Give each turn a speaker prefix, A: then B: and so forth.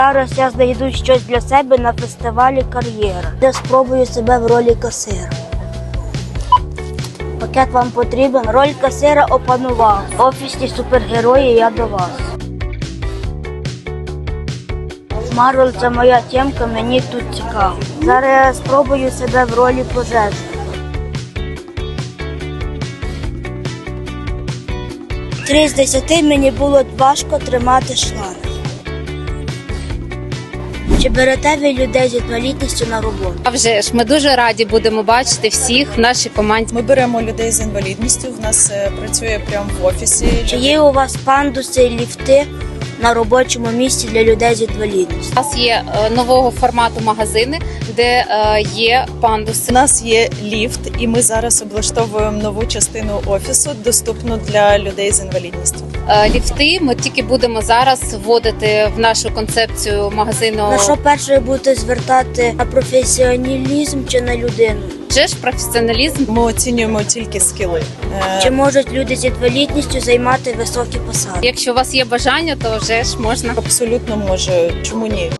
A: Зараз я знайду щось для себе на фестивалі «Кар'єра», де спробую себе в ролі касира. Пакет вам потрібен? Роль касира опанував. Офісні супергерої, я до вас. Марвел – це моя тємка, мені тут цікаво. Зараз я спробую себе в ролі пожежника. Три з 10 мені було важко тримати шланг. Чи берете ви людей з інвалідністю на роботу?
B: А вже ж, ми дуже раді будемо бачити всіх в нашій команді.
C: Ми беремо людей з інвалідністю, в нас працює прямо в офісі.
A: Чи є у вас пандуси і ліфти на робочому місці для людей з інвалідністю?
B: У нас є нового формату магазини, де є пандуси.
C: У нас є ліфт, і ми зараз облаштовуємо нову частину офісу, доступну для людей з інвалідністю.
B: Ліфти ми тільки будемо зараз вводити в нашу концепцію магазину.
A: На що перше будете звертати? На професіоналізм чи на людину?
B: Вже ж професіоналізм.
C: Ми оцінюємо тільки скіли.
A: Чи можуть люди з інвалідністю займати високі посади?
B: Якщо у вас є бажання, то вже ж можна.
C: Абсолютно може. Чому ні?